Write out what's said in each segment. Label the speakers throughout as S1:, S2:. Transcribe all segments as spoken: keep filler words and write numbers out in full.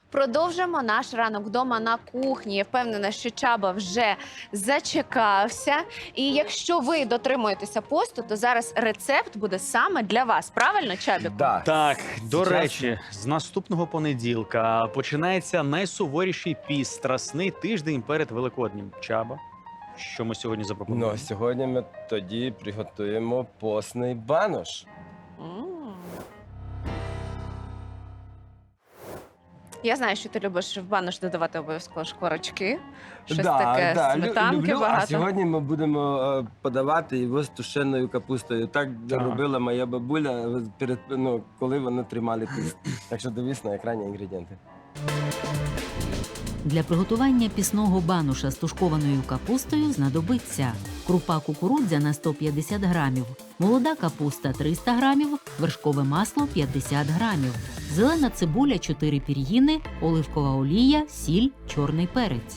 S1: Продовжимо наш ранок вдома на кухні. Я впевнена, що Чаба вже зачекався. І якщо ви дотримуєтеся посту, то зараз рецепт буде саме для вас. Правильно, Чабіку?
S2: Да.
S3: Так, до
S2: Зараз-
S3: речі, з наступного понеділка починається найсуворіший піст, страсний тиждень перед Великоднім. Чаба, що ми сьогодні запропонуємо?
S2: Ну, сьогодні ми тоді приготуємо постний банош.
S1: М. Я знаю, що ти любиш в банош додавати обов'язково шкварочки. Щось таке,
S2: лю-
S1: сметанки
S2: люблю. А
S1: багато.
S2: сьогодні ми будемо е, подавати його з тушеною капустою. Так
S3: Так.
S2: робила моя бабуля, перед, ну, коли вони тримали піст. Так що дивись на екрані інгредієнти.
S4: Для приготування пісного бануша з тушкованою капустою знадобиться крупа кукурудзяна сто п'ятдесят грамів, молода капуста триста грамів, вершкове масло п'ятдесят грамів, зелена цибуля чотири пір'їни, оливкова олія, сіль, чорний перець.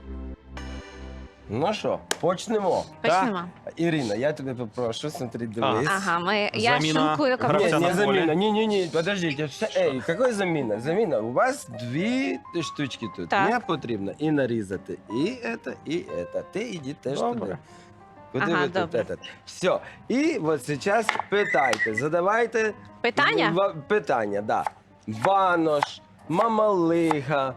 S2: Ну що, почнемо.
S1: Почнемо.
S2: Ірина, я тебе попрошу, смотри, дивись.
S1: Ага, ми... я
S3: Заміна
S1: шинкую
S3: гравця
S1: капусту.
S2: Нет,
S3: на
S2: не
S3: поле.
S2: замена. Не-не-не, подождите. Все- Эй, какой замена? Замена. У вас дві штучки тут.
S1: Так.
S2: Не потрібно і нарізати. І це, і це. Ти іди теж
S3: Добре.
S2: туди. Куди
S1: Ага,
S2: ви тут
S1: добре.
S2: этот? Все. І от зараз питайте, задавайте
S1: Питання?
S2: в- питання, да. Банош, мамалига,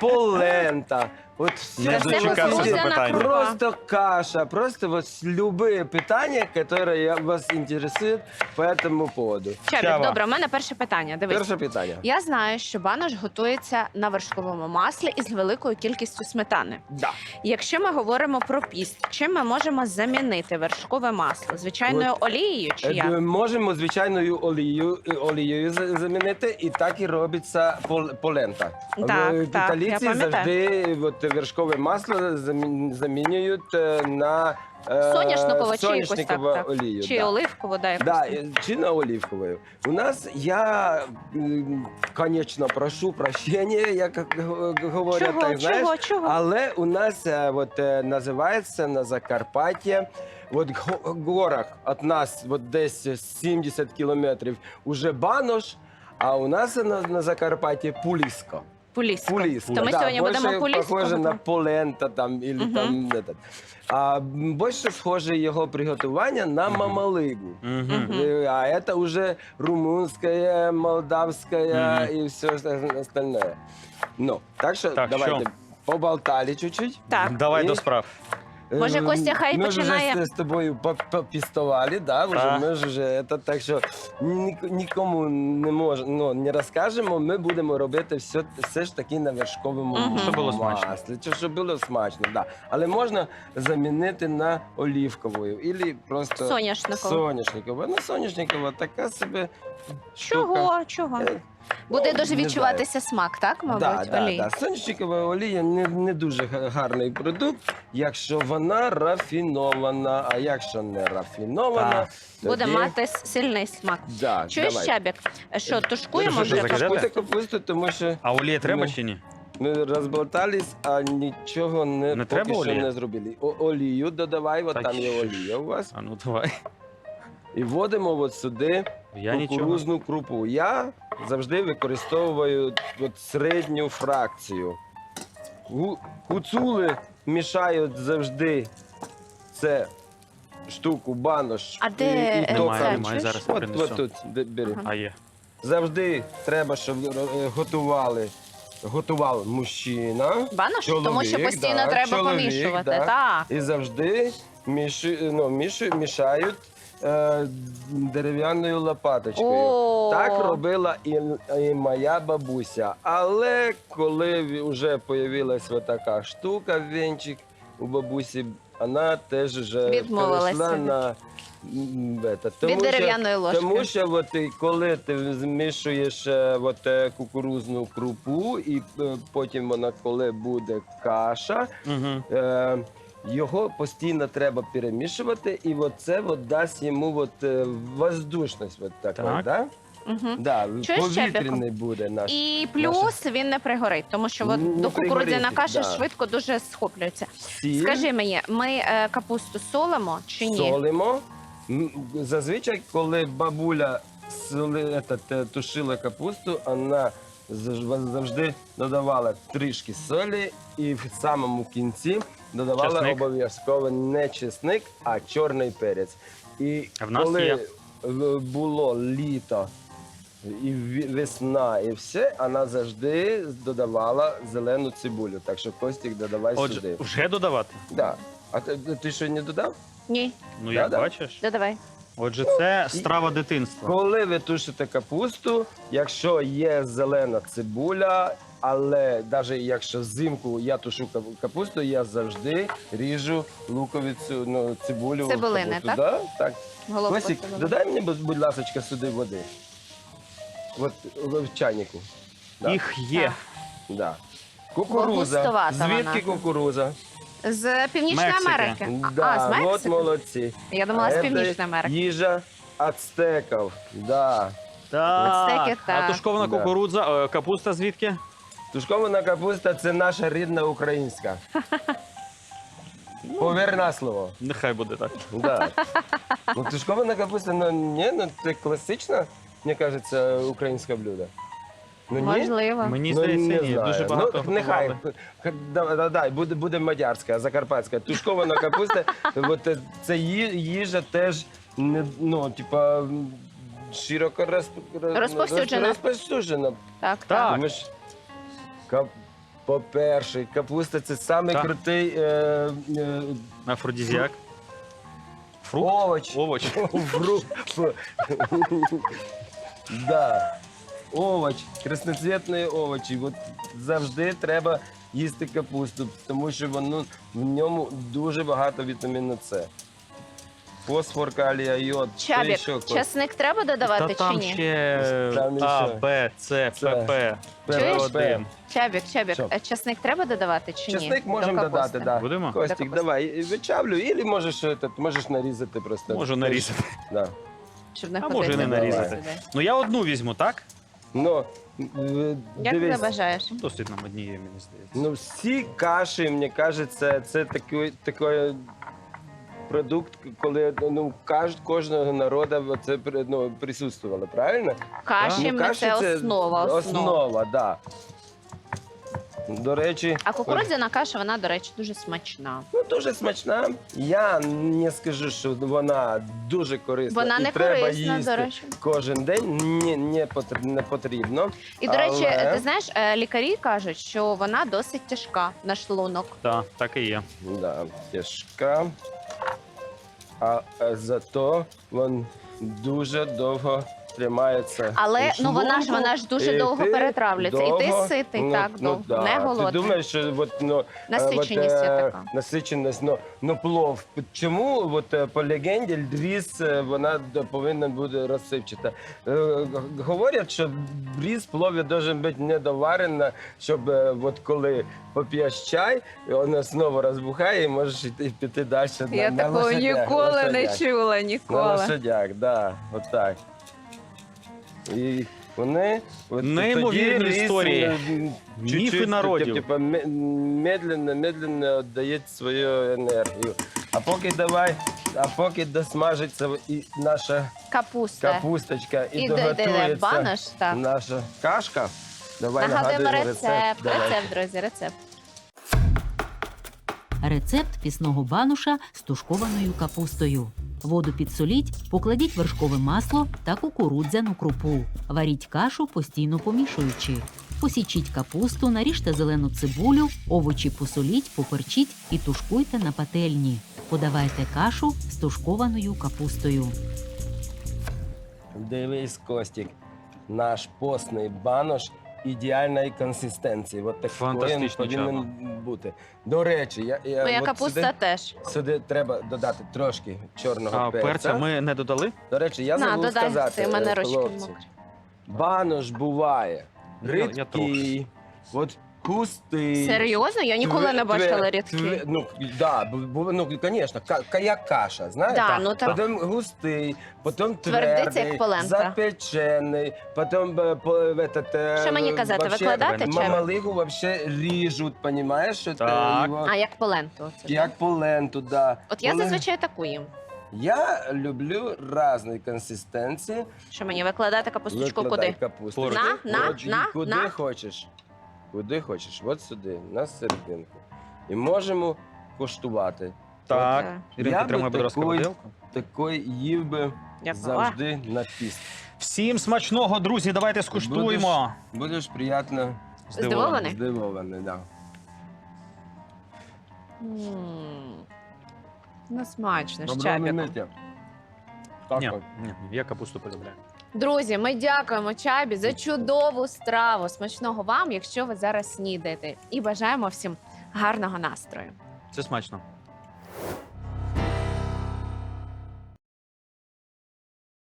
S2: полента. От все,
S3: Я
S2: що
S3: дочекався
S2: ви хотите.
S3: запитання.
S2: Просто каша, просто вот любые питания, которые вас интересуют по этому поводу.
S1: Чабік,
S3: Чаба.
S1: добре, у мене перше питання. Дивись.
S2: Перше питання.
S1: Я знаю, що банош готується на вершковому маслі із великою кількістю сметани.
S2: Да.
S1: Якщо ми говоримо про піст, чим ми можемо замінити вершкове масло? Звичайною олією чи
S2: Е,
S1: як?
S2: Можемо звичайною олією, е, олією за- замінити, і так і робиться пол- полента.
S1: Так,
S2: Е,
S1: так, я
S2: Італійці
S1: пам'ятаю.
S2: завжди от, вершкове масло замі- замінюють е, на е,
S1: Соняшникову чи якусь так,
S2: соняшникову
S1: так.
S2: олію.
S1: Чи
S2: да.
S1: оливкову, да, якусь
S2: Да,
S1: там.
S2: е, чи на оливковою. У нас я, м, конечно, прошу прощения, як г- говорять,
S1: Чого,
S2: так, знаєш,
S1: чого, чого?
S2: але у нас е, от, е, називається на Закарпатті, от в горах від нас от десь сімдесят кілометрів уже банош, а у нас на, на Закарпатті пуліска.
S1: Пулісько.
S2: Пуліска.
S1: То ми
S2: да,
S1: сьогодні
S2: больше
S1: будемо пулісько
S2: похоже на
S1: готувати?
S2: полента там, или
S1: Мгм.
S2: там этот. А м, більше схоже його приготування на
S3: Мгм.
S2: мамалигу.
S3: Мгм.
S1: Мгм.
S2: Э, А это уже румынская, молдавская
S3: Мгм.
S2: и все остальное. Ну, так что
S3: Так,
S2: давайте
S3: що?
S2: поболтали чуть-чуть.
S1: Так.
S3: Давай
S2: І-
S3: до справ.
S1: Може,
S2: Ем,
S1: Костя хай
S2: ми
S1: починає?
S2: вже з, з тобою по- попістували, да, вже,
S3: Так.
S2: ми ж вже, это, так що ні- нікому не мож, ну, не розкажемо, ми будемо робити все, все ж таки на вершковому
S1: Мгм.
S2: маслі.
S3: Щоб було смачно.
S2: Чи щоб було смачно, да. Але можна замінити на оливковою, або просто
S1: Соняшникову.
S2: соняшникову. Ну, соняшникова така собі штука.
S1: Чого? Чого?
S2: Е,
S1: Буде
S2: ну,
S1: дуже
S2: не
S1: відчуватися смак, так, мабуть,
S2: Да, да,
S1: олії?
S2: да. Соняшникова олія не, не дуже га- гарний продукт, якщо вона рафінована. А якщо не рафінована,
S3: Так.
S1: Буде
S2: тоді-
S1: мати с- сильний смак.
S2: Да,
S1: Чуєш,
S2: давай.
S1: Чабік? Що, тушкуємо
S3: Що,
S1: вже?
S3: що, закидати?
S2: Тушкуйте капусту, тому що
S3: А олія треба
S2: Ну,
S3: чи ні?
S2: ми розболтались, а нічого не,
S3: Не
S2: поки
S3: треба
S2: що
S3: олія?
S2: не зробили. О, олію додавай, от
S3: Та
S2: там є
S3: що ж.
S2: олія у вас.
S3: А ну давай.
S2: І вводимо от сюди
S3: Я нічого.
S2: кукурузну крупу. Я завжди використовую от середню фракцію. Гу- Гуцули мішають завжди це штуку, банош.
S1: А де
S2: і, і
S1: рецепт?
S2: то,
S3: Немає,
S2: там-
S3: немає,
S1: чуєш?
S3: зараз
S2: От,
S3: принесу.
S2: от тут, де- бери.
S1: Ага.
S3: А є.
S2: Завжди треба, щоб е, готували, готував мужчина.
S1: Банош?
S2: Чоловік,
S1: Тому що постійно
S2: да,
S1: треба
S2: чоловік,
S1: помішувати.
S2: да.
S1: Так.
S2: І завжди міші, ну, міші, мішають е, дерев'яною лопаточкою.
S1: О,
S2: Так робила і, і моя бабуся. Але коли вже з'явилася така штука, венчик у бабусі, вона теж вже
S1: Відмовилася
S2: перейшла
S1: від-
S2: на м, это, тому
S1: від
S2: що-
S1: дерев'яної ложки.
S2: тому що от, і коли ти змішуєш е, от, е, кукурузну крупу, і е, потім вона, коли буде каша,
S3: Угу.
S2: е, його постійно треба перемішувати, і от це от дасть йому от, е, воздушність. От такої,
S3: Так.
S2: да?
S1: Угу.
S2: Да,
S1: Чуєш,
S2: повітряний буде наш.
S1: І плюс він не пригорить, тому що от
S2: Не
S1: до кукурудзяна
S2: пригорить,
S1: каша
S2: да.
S1: швидко дуже схоплюється.
S2: Сіль,
S1: Скажи мені, ми е, капусту солимо чи ні?
S2: солимо. М, Зазвичай, коли бабуля соли, етат, е, тушила капусту, вона зав- завжди додавала трішки солі і в самому кінці додавала
S3: Чесник.
S2: обов'язково не чесник, а чорний перець. І
S3: А в нас
S2: коли
S3: є.
S2: в- було літо і ві- весна, і все, вона завжди додавала зелену цибулю. Так що, Костік, додавай
S3: Отже,
S2: сюди.
S3: вже додавати?
S2: Да. А ти, ти що не додав?
S1: Ні,
S3: Ну, як
S2: Да-да.
S3: бачиш.
S1: додавай.
S3: Отже, це страва дитинства.
S2: Коли ви тушите капусту, якщо є зелена цибуля, але навіть якщо взимку я тушу кап- капусту, я завжди ріжу луковицю, ну, цибулю. в
S1: Цибулини,
S2: капусту.
S1: так?
S2: Да? Так.
S1: Головку
S2: Костік,
S1: цибулини.
S2: додай мені, будь, будь ласка, сюди води. От в в чайнику. Да.
S3: Їх є.
S2: Да. Кукуруза.
S1: густувата
S2: Звідки
S1: вона.
S2: кукуруза?
S1: З Північної
S3: Мексики.
S1: Америки. А,
S2: Да,
S1: а, з
S2: от
S1: Мексики?
S2: молодці.
S1: Я думала, з
S2: А
S1: Північної
S2: це
S1: Америки.
S2: Їжа ацтеків. Да.
S3: Так.
S1: Ацтеки,
S3: А
S1: так.
S3: тушкована
S2: Да.
S3: кукурудза, е, капуста звідки?
S2: Тушкована капуста це наша рідна українська. Повір на слово.
S3: Нехай буде так.
S2: Да. Ну, тушкована капуста, ну ні, ну це класична, мені кажеться, українське блюдо. Ну, ні?
S1: Можливо.
S3: Мені
S2: Ну,
S3: здається,
S2: не
S3: ні.
S2: знаю.
S3: Дуже багато
S2: Ну, нехай,
S3: готували.
S2: х- да, да, да, буде, буде мадярська, закарпатська. Тушкована капуста, от, е, це ї- їжа теж, не, ну, типа, м, широко розп... роз-
S1: Розповсюджена.
S2: розповсюджена.
S1: Так,
S3: Так.
S1: так.
S2: Тому що, кап... по-перше, капуста це самий
S3: Так.
S2: крутий е, е,
S3: Афродізіак. Фрукт?
S2: овоч.
S3: Овоч.
S2: Фрукт. Да. Овоч, красноцвітні овочі. От завжди треба їсти капусту, тому що воно, в ньому дуже багато вітаміну С. Фосфор, калія, йод. що
S1: Чабік,
S2: ще, Кость?
S1: часник треба додавати
S3: Та
S1: чи
S3: там
S1: ні?
S3: ще
S2: Там
S3: А,
S2: ще.
S3: Б, С,
S2: Це.
S3: П, П.
S1: Чуєш?
S3: один.
S1: Чабік, чабік,
S2: Що?
S1: е, часник треба додавати чи ні?
S2: Чесник
S1: До
S2: можемо
S1: капусти?
S2: додати, да.
S3: Будемо?
S2: Костік,
S1: капусти.
S2: давай, вичавлю, або можеш, этот, можеш нарізати просто.
S3: Можу нарізати.
S2: Да.
S1: Щоб не
S3: А
S1: ходити.
S3: може і не
S2: Давай.
S3: нарізати. Ну я одну візьму, так?
S2: Ну, е,
S1: Як ти
S2: дивись,
S1: бажаєш?
S3: Досить нам однієї, мені здається.
S2: ну всі каші, мені кажеться, це такий, такий продукт, коли ну, каж, кожного народу це ну, присутствувало, правильно?
S1: Каші
S2: Ну,
S1: ми це основа. основа.
S2: Основа, да. До речі,
S1: А кукурудзяна каша, вона, до речі, дуже смачна.
S2: ну, дуже смачна. Я не скажу, що вона дуже корисна.
S1: Вона
S2: і
S1: не
S2: треба
S1: корисна,
S2: їсти
S1: до речі.
S2: кожен день. Ні, не, потр- не потрібно.
S1: І, до речі,
S2: Але-
S1: ти знаєш, е, лікарі кажуть, що вона досить тяжка на шлунок.
S3: Так, так і є.
S2: Да, тяжка. А е, зато він дуже довго тримається.
S1: Але
S2: у
S1: ну вона ж
S2: шлунку,
S1: вона ж дуже
S2: і
S1: довго
S2: ти
S1: перетравлюється. І
S2: довго-
S1: ти ситий,
S2: ну,
S1: так,
S2: ну,
S1: довго,
S2: да.
S1: не голодний.
S2: Ти думаєш, що от, ну, е,
S1: Насиченість
S2: от,
S1: є
S2: е,
S1: така.
S2: насиченість, ну, ну плов. Чому от, е, по легенді різ е, вона д- повинна бути розсипчата? Е, г- Говорять, що різ в плові має бути недоварена, щоб е, от коли поп'єш чай, вона знову розбухає і можеш йти, піти далі на,
S1: Я
S2: на
S1: такого
S2: лошадях,
S1: ніколи не
S2: лошадях.
S1: чула,
S2: На
S1: ніколи.
S2: лошадях, да, отак. І вони от
S3: Неймовірні
S2: тоді ріс,
S3: історії.
S2: е,
S3: Міфи
S2: чуть-чуть,
S3: народів.
S2: Типу, ме- медленно, медленно віддає свою енергію. А поки давай, а поки досмажиться і наша
S1: Капуста.
S2: капусточка і,
S1: І де, де, де
S2: доготується
S1: банош, так.
S2: наша кашка. Давай
S1: Нагадуємо
S2: нагадуємо
S1: рецепт.
S2: Давай.
S1: Рецепт, друзі, рецепт.
S4: Рецепт пісного бануша з тушкованою капустою. Воду підсоліть, покладіть вершкове масло та кукурудзяну крупу. Варіть кашу, постійно помішуючи. Посічіть капусту, наріжте зелену цибулю, овочі посоліть, поперчіть і тушкуйте на пательні. Подавайте кашу з тушкованою капустою.
S2: Дивись, Костік, наш постний банош ідеальної консистенції. От такий він
S3: Фантастичний
S2: повинен бути. До речі, я, я
S1: Моя
S2: от
S1: капуста
S2: сюди,
S1: теж.
S2: сюди треба додати трошки чорного
S3: А
S2: перця.
S3: перця ми не додали?
S2: До речі, я
S1: На,
S2: забув
S1: додай,
S2: сказати,
S1: ти в мене
S2: е,
S1: ручки
S2: хлопці,
S1: мокрі.
S2: банош буває
S3: Я- я
S2: рідкий, от густий.
S1: Серйозно? Я ніколи
S2: твер-
S1: не бачила
S2: твер-
S1: рідкі.
S2: твер- Ну, да, бу- бу- ну, звісно, ка- як каша, знаєш?
S1: Да, ну так.
S2: Потім густий, потім
S1: Твердий, це
S2: твердий,
S1: як полента.
S2: запечений, потім е, по, этот, е,
S1: Що мені казати,
S2: вообще
S1: викладати чи-
S2: мамалигу вообще ріжуть, понімаєш? Що
S3: Так.
S2: його,
S1: А як поленту? Оце,
S2: як по ленту, да.
S1: От я
S2: Коли-
S1: зазвичай таку їм.
S2: Я люблю різні консистенції.
S1: Що мені викладати капусточку
S2: Викладай
S1: куди?
S2: капусту.
S3: Поруч.
S1: На, на,
S2: Поруч,
S1: на,
S2: куди
S1: на.
S2: хочеш. Куди хочеш. От сюди, на серединку. І можемо коштувати.
S3: Так,
S1: Е,
S3: Іринка,
S2: Я би
S3: тримай, будь ласка,
S2: такий-
S3: виделку.
S2: Такий їв би
S1: Дякую.
S2: завжди на піст.
S3: Всім смачного, друзі, давайте скуштуємо.
S2: Будеш приємно
S1: Здивований?
S2: здивований. Да.
S1: М. Ну, смачно, з
S2: Доброго
S1: чабіком.
S2: миття. Так
S3: Ні,
S2: от.
S3: ні, я капусту полюбляю.
S1: Друзі, ми дякуємо Чабі за чудову страву. Смачного вам, якщо ви зараз снідаєте. І бажаємо всім гарного настрою.
S3: Це смачно.